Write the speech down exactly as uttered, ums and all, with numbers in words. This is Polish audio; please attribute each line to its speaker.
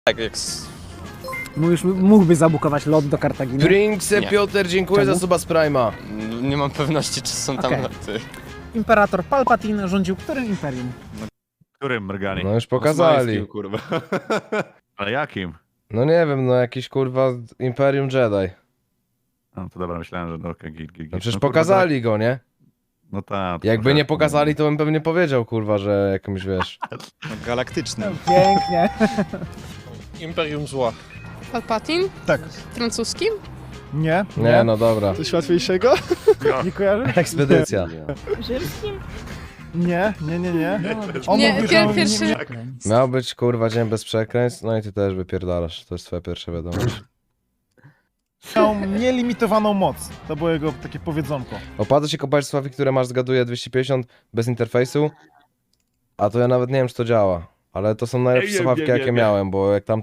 Speaker 1: Tak, jak... s-
Speaker 2: Mówisz, mógłby zabukować lot do Kartaginy?
Speaker 3: Prince
Speaker 1: Nie.
Speaker 3: Piotr, dziękuję
Speaker 2: Czemu?
Speaker 3: za suba z Prima.
Speaker 1: n- Nie mam pewności, czy są tam
Speaker 2: Okej.
Speaker 1: loty.
Speaker 2: Imperator Palpatine rządził którym imperium?
Speaker 4: Którym mrgani?
Speaker 3: No już pokazali.
Speaker 5: Osmańskim, kurwa.
Speaker 4: Ale jakim?
Speaker 3: No nie wiem, no jakiś kurwa Imperium Jedi.
Speaker 4: No to dobra, myślałem, że no okej, git, git, git.
Speaker 3: No przecież
Speaker 4: kurwa,
Speaker 3: pokazali go, nie?
Speaker 4: tak- No tak.
Speaker 3: Jakby nie pokazali, to bym pewnie powiedział, kurwa, że jakimś, wiesz...
Speaker 5: Galaktyczny.
Speaker 2: Pięknie.
Speaker 6: Imperium Zła.
Speaker 7: Palpatine?
Speaker 8: Tak.
Speaker 7: Francuskim?
Speaker 8: Nie?
Speaker 3: Nie, no dobra.
Speaker 8: Coś łatwiejszego? Nie kojarzysz?
Speaker 3: Ekspedycja.
Speaker 8: Nie, nie, nie, nie. On
Speaker 7: Nie,
Speaker 8: mówił,
Speaker 7: pier-
Speaker 8: że
Speaker 7: pierwszy-
Speaker 8: nie,
Speaker 3: Miał być, kurwa, dzień bez przekleństw, no i ty też wypierdalasz. To jest twoja pierwsza wiadomość.
Speaker 8: miał nielimitowaną moc. To było jego takie powiedzonko.
Speaker 3: Opłaca się kopać sławi, które masz, zgaduję, dwieście pięćdziesiąt bez interfejsu. A to ja nawet nie wiem, czy to działa. Ale to są najlepsze
Speaker 4: Nie wiem,
Speaker 3: słuchawki,
Speaker 4: nie wiem,
Speaker 3: jakie
Speaker 4: nie wiem.
Speaker 3: miałem, bo jak tam